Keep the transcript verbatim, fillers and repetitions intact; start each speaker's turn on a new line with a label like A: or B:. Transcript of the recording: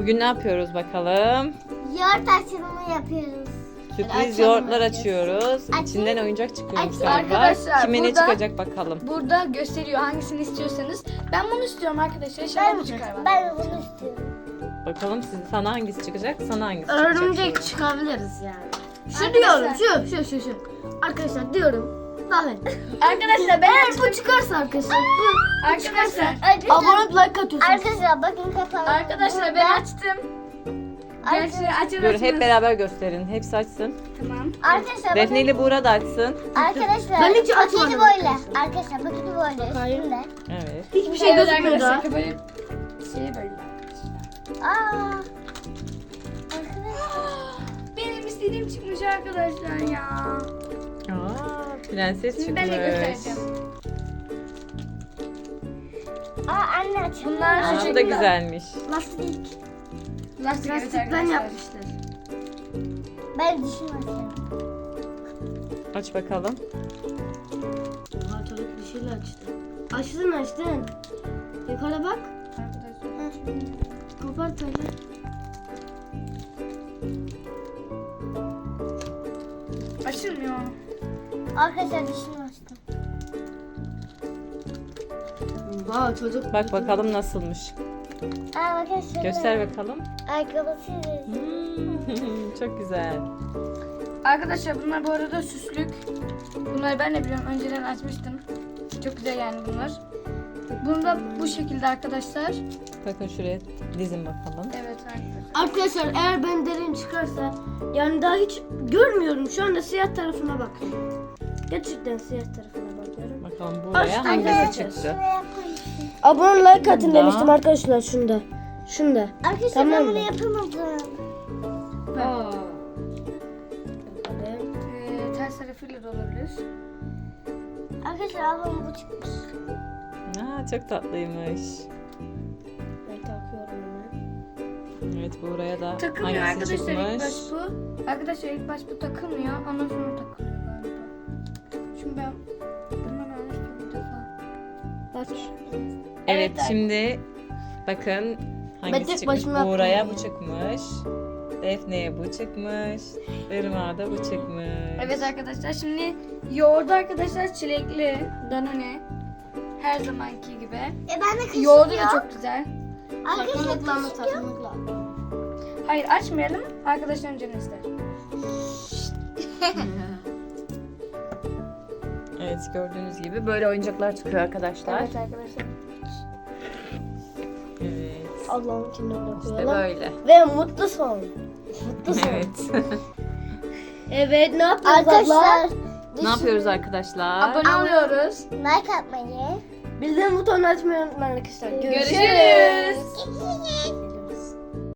A: Bugün ne yapıyoruz bakalım?
B: Yoğurt açılımı yapıyoruz.
A: Sürpriz
C: açalım
A: yoğurtlar
C: bakayım.
A: açıyoruz.
B: Açayım.
A: İçinden oyuncak çıkıyormuş
B: Açayım.
A: galiba.
C: Arkadaşlar,
A: Kime ne
C: burada-
A: çıkacak bakalım.
C: Burada gösteriyor hangisini istiyorsanız. Ben bunu istiyorum arkadaşlar.
B: Ben,
C: İnşallah bu çıkar bana.
B: ben bunu istiyorum.
A: Bakalım siz, sana hangisi çıkacak, sana hangisi
D: Örümcek
A: çıkacak?
D: çıkabiliriz yani. Şu
C: Arkadaşlar-
D: diyorum, şu, şu, şu, şu. Arkadaşlar diyorum. Bakın.
C: Arkadaşlar ben
D: Eğer
C: açtım.
D: bu çıkarsa arkadaşlar, bu, bu çıkarsa
C: Arkadaşlar,
D: abone olup like atıyorsunuz.
B: Arkadaşlar bakın kapalı.
C: arkadaşlar ben açtım. Gerçi açın
A: Dur
C: açın.
A: hep beraber gösterin. Hepsi açsın.
C: Tamam.
B: Arkadaşlar
A: Defne
B: bakın.
A: ile Buğra da açsın.
B: Arkadaşlar
D: Ben hiç
B: paketi
D: açmadım
B: böyle.
D: arkadaşlar.
B: Arkadaşlar paketi böyle
D: Bakayım.
B: üstünde.
A: Evet.
D: Hiçbir şey
C: Evet
D: gözükmüyor
C: arkadaşlar,
D: daha.
C: böyle şey böyle.
B: Aa. Arkadaşlar.
C: Benim istediğim çıkmış arkadaşlar ya.
A: Aa, prenses
C: Şimdi ben de
A: çıkmış.
C: göstereceğim.
B: Aa anne açılıyor.
C: Bunlar
A: Aa,
C: şu
A: bu da
C: şekilde.
A: güzelmiş.
D: Lastik.
C: Lastik evet
D: Lastikten
C: arkadaşlar.
D: yapmışlar.
B: Ben dişimi açıyorum.
A: Aç bakalım.
D: Oha çocuk bir şeyle açtı. Açtın açtın. Yukarı bak. Kopart hadi.
C: Açılmıyor.
B: Arkadaşlar dişimi açtım.
D: Vay çocuk.
A: Bak bakalım nasılmış.
B: Aa bakın şöyle.
A: Göster bakalım.
B: Ayakkabısı.
A: Hmm, çok güzel.
C: Arkadaşlar bunlar bu arada süslük. Bunları ben de biliyorum. Önceden açmıştım. Çok güzel yani bunlar. Bunu da bu şekilde arkadaşlar.
A: Bakın şuraya dizin bakalım.
C: Evet arkadaşlar.
D: Arkadaşlar eğer ben derin çıkarsa yani daha hiç görmüyorum. Şu anda siyah tarafına bakıyorum. Gerçekten siyah tarafına bakıyorum.
A: Bakalım buraya
D: Aç,
A: hangisi
D: arkadaşlar.
A: çıktı.
B: Şuraya koyayım.
D: Abone like atın
A: Bunda.
D: demiştim arkadaşlar şunda. Şunda.
B: Arkadaşlar
D: Tamam
B: ben
D: mı?
B: bunu yapamadım.
D: Aa.
C: Ee, ters tarafıyla da olabilir.
B: Arkadaşlar ablam bu çıkmış.
A: Aa, çok tatlıymış.
D: Ben takıyorum hemen.
A: Evet, buraya da
C: Takılmıyor
A: hangisi
C: arkadaşlar ilk baş
A: çıkmış?
C: bu. Arkadaşlar ilk baş bu takılmıyor. Ondan sonra takılıyor galiba. Şimdi ben bundan almıştım bir defa.
D: Bak.
A: Evet,
C: Evet,
A: şimdi bakın hangisi
D: tek
A: çıkmış?
D: başıma
A: Buğra'ya
D: yaptım.
A: bu çıkmış. Defne'ye bu çıkmış. Irmak'a da bu çıkmış.
C: Evet arkadaşlar şimdi yoğurdu arkadaşlar çilekli Danone. Her zamanki gibi.
B: E ben de kaşık
C: Yoğurdu da
B: yok.
C: çok güzel.
B: Arkadaşlar
D: Takmakla mı
B: kaşık yok.
D: takmakla?
C: Hayır açmayalım. Arkadaşlarım canı ister.
A: Evet, gördüğünüz gibi böyle oyuncaklar çıkıyor arkadaşlar.
C: Evet arkadaşlar.
A: Evet.
D: Allah'ın kenarına
A: İşte
D: koyalım.
A: böyle.
D: Ve mutlu son. Mutlu son.
A: Evet.
D: Evet ne yapıyoruz
B: Arkadaşlar
D: abla?
A: Ne yapıyoruz arkadaşlar?
C: Abone oluyoruz.
B: like atmayı.
D: Bildirim butonunu açmayı unutmayın arkadaşlar.
C: Görüşürüz.
B: Görüşürüz.